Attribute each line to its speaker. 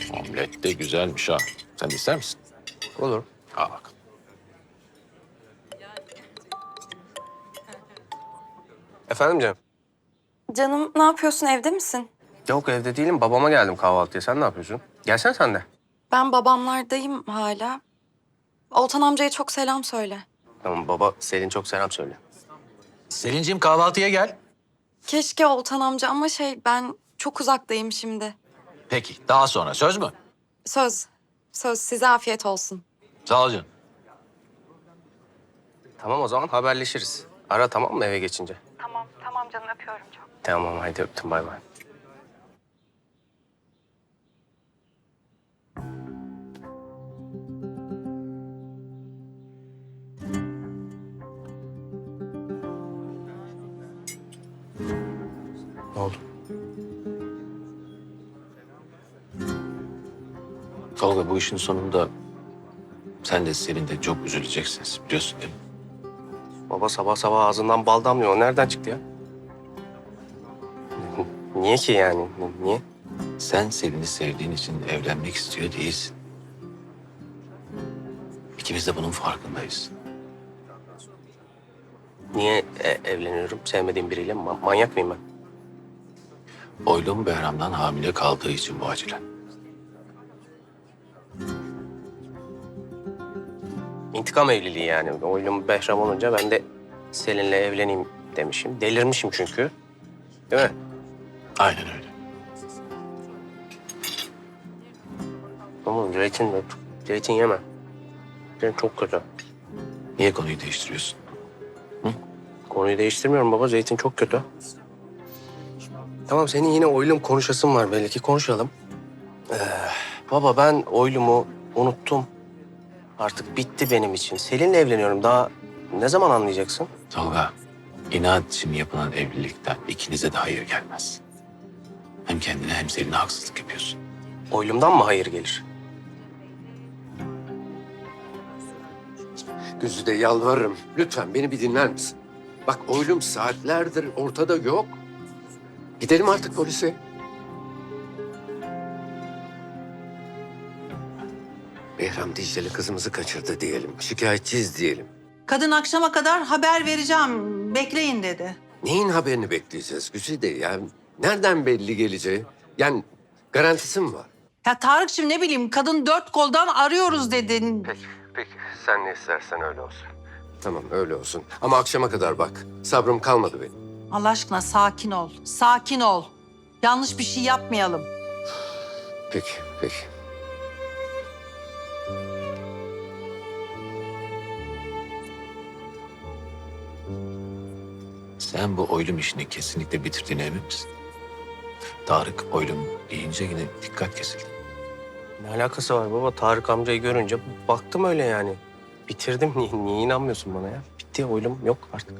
Speaker 1: Omlet de güzelmiş ha. Sen de ister misin?
Speaker 2: Olur.
Speaker 1: Al bakalım.
Speaker 2: Efendim Cem?
Speaker 3: Canım ne yapıyorsun, evde misin?
Speaker 2: Yok evde değilim. Babama geldim kahvaltıya. Sen ne yapıyorsun? Gelsen sen de.
Speaker 3: Ben babamlardayım hala. Oltan amcaya çok selam söyle.
Speaker 2: Tamam baba Selin çok selam söyle.
Speaker 1: Selin'ciğim kahvaltıya gel.
Speaker 3: Keşke Oltan amca ama ben çok uzaktayım şimdi.
Speaker 1: Peki daha sonra söz mü?
Speaker 3: Söz, söz size afiyet olsun.
Speaker 1: Sağ ol canım.
Speaker 2: Tamam o zaman haberleşiriz. Ara tamam mı eve geçince?
Speaker 3: Tamam canım öpüyorum çok.
Speaker 2: Tamam haydi öptüm bay bay. Ne oldu?
Speaker 1: Tolga bu işin sonunda sen de Selin de çok üzüleceksiniz biliyorsun değil mi?
Speaker 2: Baba sabah sabah ağzından bal damlıyor. O nereden çıktı ya? Niye ki yani? Niye?
Speaker 1: Sen Selin'i sevdiğin için evlenmek istiyor değilsin. İkimiz de bunun farkındayız.
Speaker 2: Niye evleniyorum sevmediğim biriyle? Manyak mıyım ben?
Speaker 1: Oylum Behram'dan hamile kaldığı için bu acilen.
Speaker 2: İntikam evliliği yani. Oylum Behram olunca ben de Selin'le evleneyim demişim. Delirmişim çünkü. Değil mi?
Speaker 1: Aynen öyle.
Speaker 2: Ama zeytin yeme. Zeytin çok kötü.
Speaker 1: Niye konuyu değiştiriyorsun?
Speaker 2: Konuyu değiştirmiyorum baba. Zeytin çok kötü. Tamam senin yine oylum konuşasın var belli ki konuşalım. Baba ben oylumu unuttum. Artık bitti benim için. Selin'le evleniyorum. Daha ne zaman anlayacaksın?
Speaker 1: Tolga, inat için yapılan evlilikten ikinize de hayır gelmez. Hem kendine hem Selin'e haksızlık yapıyorsun.
Speaker 2: Oylumdan mı hayır gelir?
Speaker 4: Güzide yalvarırım. Lütfen beni bir dinler misin? Bak oylum saatlerdir ortada yok. Gidelim artık polise. Behram Dicle'li kızımızı kaçırdı diyelim. Şikayetçiyiz diyelim.
Speaker 5: Kadın akşama kadar haber vereceğim, bekleyin dedi.
Speaker 4: Neyin haberini bekleyeceğiz Güzide ya? Nereden belli geleceği? Yani garantisi mi var?
Speaker 5: Ya Tarık'cığım ne bileyim kadın dört koldan arıyoruz dedin.
Speaker 4: Peki. Sen ne istersen öyle olsun. Tamam öyle olsun. Ama akşama kadar bak. Sabrım kalmadı benim.
Speaker 5: Allah aşkına sakin ol, sakin ol. Yanlış bir şey yapmayalım.
Speaker 4: Peki, peki.
Speaker 1: Sen bu oylum işini kesinlikle bitirdiğine emin misin? Tarık oylum deyince yine dikkat kesildi.
Speaker 2: Ne alakası var baba? Tarık amcayı görünce baktım öyle yani. Bitirdim. Niye inanmıyorsun bana ya? Bitti oylum yok artık.